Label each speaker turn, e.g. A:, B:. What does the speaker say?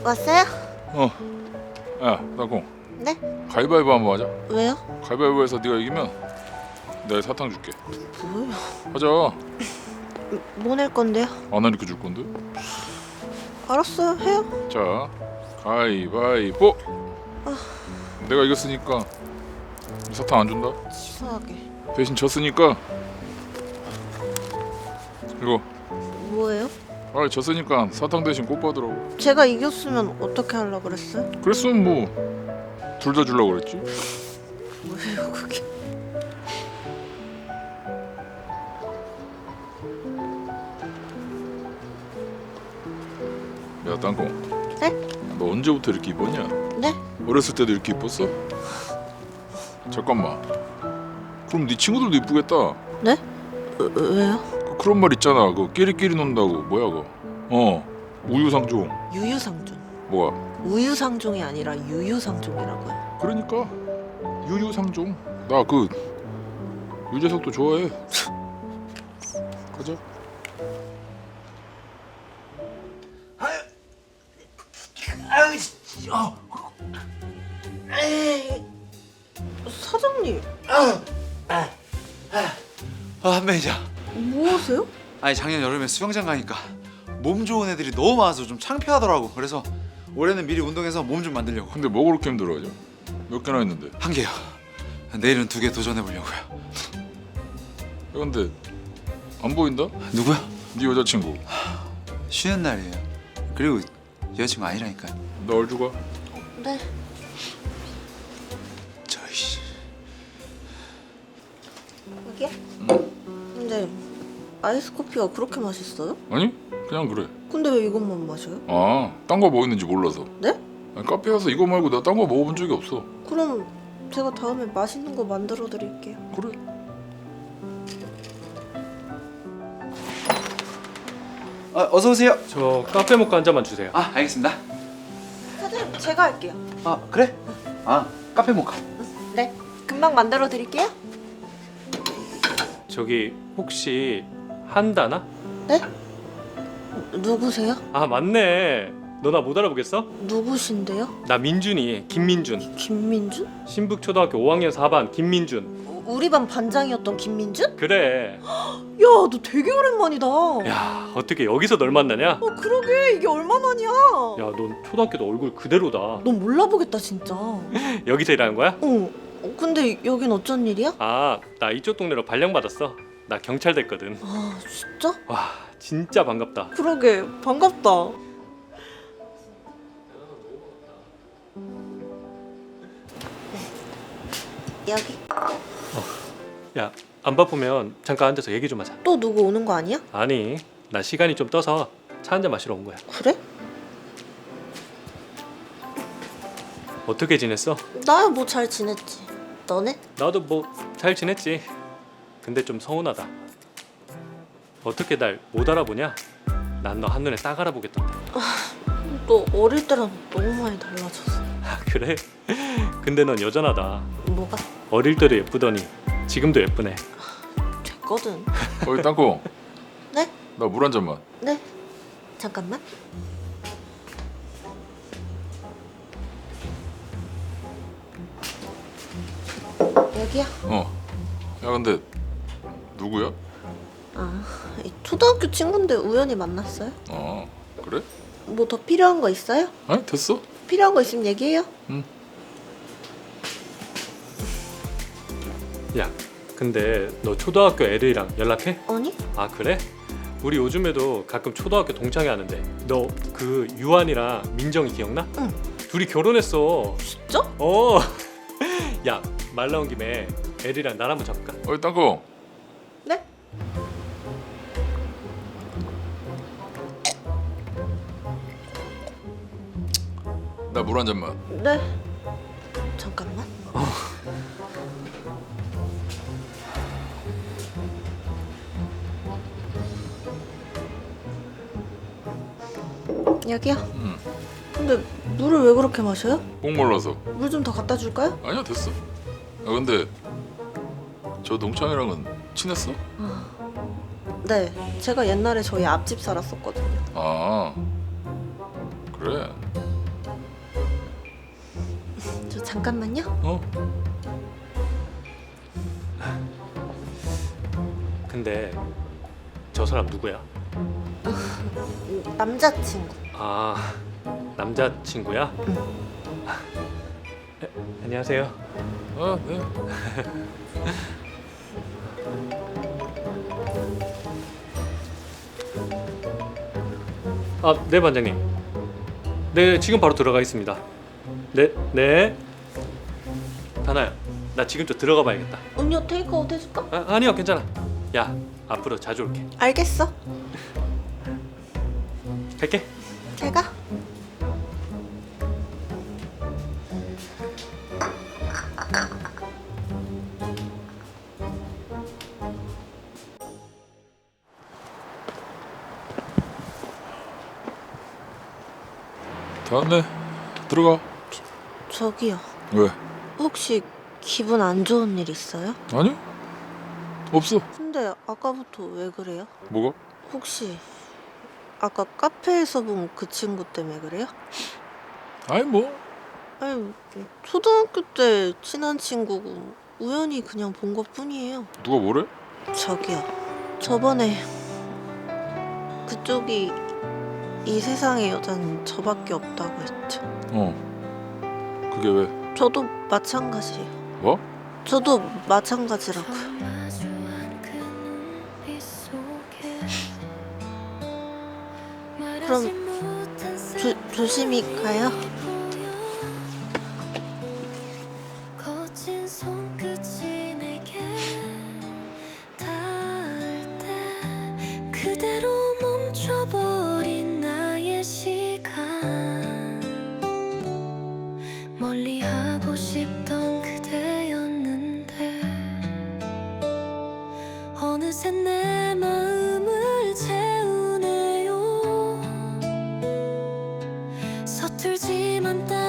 A: 왔어요?
B: 어. 야, 땅콩.
A: 네?
B: 가위바위보 한번 하자.
A: 왜요?
B: 가위바위보에서 네가 이기면 내가 사탕 줄게.
A: 뭐요?
B: 하자.
A: 뭐 낼 건데요?
B: 안 하니까 줄 건데.
A: 알았어요, 해요.
B: 자, 가위바위보. 내가 이겼으니까 사탕 안 준다.
A: 치사하게.
B: 대신 졌으니까 이거.
A: 뭐예요?
B: 아, 졌으니까 사탕 대신 꽃 받으라고.
A: 제가 이겼으면 어떻게 하려고 그랬어요?
B: 그랬으면 뭐 둘 다 주려고 그랬지.
A: 뭐예요, 그게?
B: 야, 땅콩.
A: 네?
B: 너 언제부터 이렇게 이뻤냐?
A: 네?
B: 어렸을 때도 이렇게 이뻤어? 잠깐만. 그럼 네 친구들도 이쁘겠다.
A: 네? 왜요?
B: 그런 말 있잖아. 그 끼리끼리 논다고. 뭐야 그거? 우유상종.
A: 유유상종.
B: 뭐야?
A: 우유상종이 아니라 유유상종이라고요.
B: 그러니까 유유상종. 나 그 유재석도 좋아해. 가자.
A: 사장님,
C: 매니저.
A: 뭐 하세요?
C: 아니 작년 여름에 수영장 가니까 몸 좋은 애들이 너무 많아서 좀 창피하더라고. 그래서 올해는 미리 운동해서 몸 좀 만들려고.
B: 근데 뭐 그렇게 힘들어하죠? 몇 개나 했는데?
C: 한 개요. 내일은 2개 도전해 보려고요.
B: 야, 근데 안 보인다?
C: 누구야?
B: 네 여자친구.
C: 쉬는 날이에요. 그리고 여자친구 아니라니까.
B: 나 얼주가?
A: 네.
C: 저이씨.
A: 여기요? 근데 아이스 커피가 그렇게 맛있어요?
B: 아니? 그냥 그래.
A: 근데 왜 이것만 마셔요?
B: 아, 딴 거 뭐 있는지 몰라서.
A: 네?
B: 아니, 카페 가서 이거 말고 내가 딴 거 먹어본 적이 없어.
A: 그럼 제가 다음에 맛있는 거 만들어 드릴게요.
B: 그래.
C: 어서 오세요.
D: 저 카페 모카 한 잔만 주세요.
C: 아 알겠습니다.
A: 사장님, 제가 할게요.
C: 아 그래? 아 카페 모카.
A: 네. 금방 만들어 드릴게요.
D: 저기 혹시 한다나?
A: 네? 누구세요?
D: 아 맞네. 너 나 못 알아보겠어?
A: 누구신데요?
D: 나 민준이 김민준.
A: 김민준?
D: 신북초등학교 5학년 4반 김민준.
A: 우리 반 반장이었던 김민준?
D: 그래.
A: 야, 너 되게 오랜만이다.
D: 야 어떻게 여기서 널 만나냐?
A: 그러게, 이게 얼마만이야?
D: 야 넌 초등학교 때 얼굴 그대로다.
A: 넌 몰라보겠다, 진짜.
D: 여기서 일하는 거야?
A: 근데 여긴 어쩐 일이야?
D: 아 나 이쪽 동네로 발령 받았어. 나 경찰 됐거든.
A: 아, 진짜?
D: 와 진짜 반갑다.
A: 그러게, 반갑다. 여기.
D: 야 안 바쁘면 잠깐 앉아서 얘기 좀 하자.
A: 또 누구 오는 거 아니야?
D: 아니 나 시간이 좀 떠서 차 한 잔 마시러 온 거야.
A: 그래?
D: 어떻게 지냈어?
A: 나야 뭐 잘 지냈지. 너네?
D: 나도 뭐 잘 지냈지. 근데 좀 서운하다. 어떻게 날 못 알아보냐? 난 너 한눈에 딱 알아보겠던데.
A: 너 어릴 때랑 너무 많이 달라졌어.
D: 아 그래? 근데 넌 여전하다.
A: 뭐가?
D: 어릴 때도 예쁘더니 지금도 예쁘네.
A: 됐거든.
B: 어이, 땅콩.
A: 네?
B: 나 물 한 잔만.
A: 네. 잠깐만. 여기야.
B: 야, 근데 누구야?
A: 이 초등학교 친구인데 우연히 만났어요.
B: 그래?
A: 뭐 더 필요한 거 있어요?
B: 아니, 됐어.
A: 필요한 거 있으면 얘기해요.
D: 야 근데 너 초등학교 애들이랑 연락해?
A: 아니?
D: 아 그래? 우리 요즘에도 가끔 초등학교 동창회 하는데 너 그 유한이랑 민정이 기억나?
A: 응.
D: 둘이 결혼했어.
A: 진짜?
D: 어. 야 말 나온 김에 애들이랑 날 한번 잡을까?
B: 어이, 땅콩.
A: 네?
B: 나 물 한 잔만.
A: 네. 잠깐만. 여기요. 근데 물을 왜 그렇게 마셔요?
B: 목 말라서.
A: 물 좀 더 갖다 줄까요?
B: 아니야, 됐어. 근데 저 동창이랑은 친했어?
A: 네. 제가 옛날에 저희 앞집 살았었거든요.
B: 아, 그래.
A: 잠깐만요.
B: 어?
D: 근데 저 사람 누구야?
A: 남자친구.
D: 아, 남자친구야? 안녕하세요.
B: 아, 네.
D: 아, 네 반장님. 네, 지금 바로 들어가겠습니다. 네, 네. 다나야, 나 지금 좀 들어가 봐야겠다.
A: 음료 테이크아웃 해줄까?
D: 아니요, 괜찮아. 야, 앞으로 자주 올게.
A: 알겠어.
D: 갈게.
A: 잘 가.
B: 다 왔네. 들어가.
A: 저기요.
B: 왜?
A: 혹시 기분 안 좋은 일 있어요?
B: 아니? 없어.
A: 근데 아까부터 왜 그래요?
B: 뭐가?
A: 혹시 아까 카페에서 본 그 친구 때문에 그래요?
B: 아니 뭐.
A: 아니 초등학교 때 친한 친구고 우연히 그냥 본 것뿐이에요.
B: 누가 뭐래?
A: 저기요. 저번에 그쪽이 이 세상에 여자는 저밖에 없다고 했죠.
B: 어. 그게 왜?
A: 저도 마찬가지예요.
B: 뭐?
A: 저도 마찬가지라고요. 그럼 조심히 가요.
E: 거친 손끝이 내게 닿을 때 그대로 멈춰버린 나의 시간 멀리하고 싶던 그대였는데 어느새 내 마음을 채우네요. 서툴지만